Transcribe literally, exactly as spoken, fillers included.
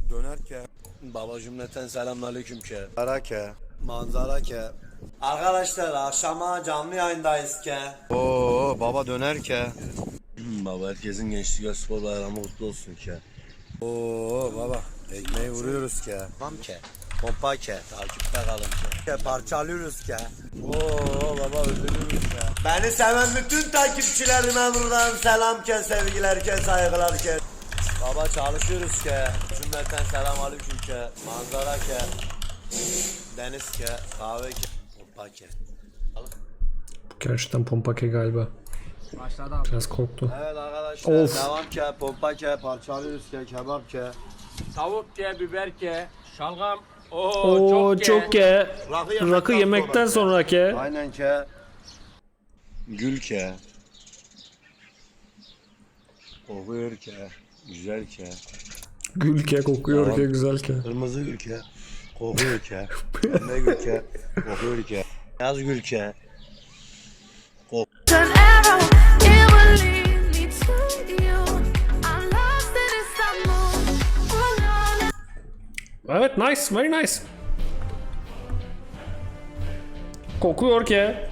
Döner ke. Baba cümleten selamünaleyküm ke. Ara ke. Manzara ke. Arkadaşlar akşama canlı yayındayız ke. Oo baba döner ke. Baba herkesin gençlik ve spor bayramı kutlu olsun ke. Oo baba ekmeği vuruyoruz ke. Tamam ke. Pompa ke. Takipte kalın ke. Ke parçalıyoruz ke. Oo baba öldürüyoruz ke. Beni seven bütün takipçilerime buradan selam ke, sevgiler ke, saygılar ke. Baba çalışıyoruz ke. Cümleten selamünaleyküm ke. Manzara ke. Deniz ke. Kahve ke. Pompa ke. Gerçekten Pompake galiba. Başladı abi. Biraz korktu. Evet arkadaşlar Of. devam ke, pompa ke, parçalıyoruz ke, kebap ke. Tavuk ke, biber ke, şalgam. Oo, Oo çok, çok ke. ke. Rakı Rakı yemekten sonra ke. Aynen ke. Gül ke. Kokuyor ke. Güzel ke. Gül ke, kokuyor Tamam. ke, güzel ke. Kırmızı gül ke. Kokuyor ke. Pembe gül ke. Kokuyor ke. Beyaz gül ke. An arrow, it will lead me to you. I'm lost in Istanbul. Oh, no, no. Evet, nice, very nice. Kokuyor ke.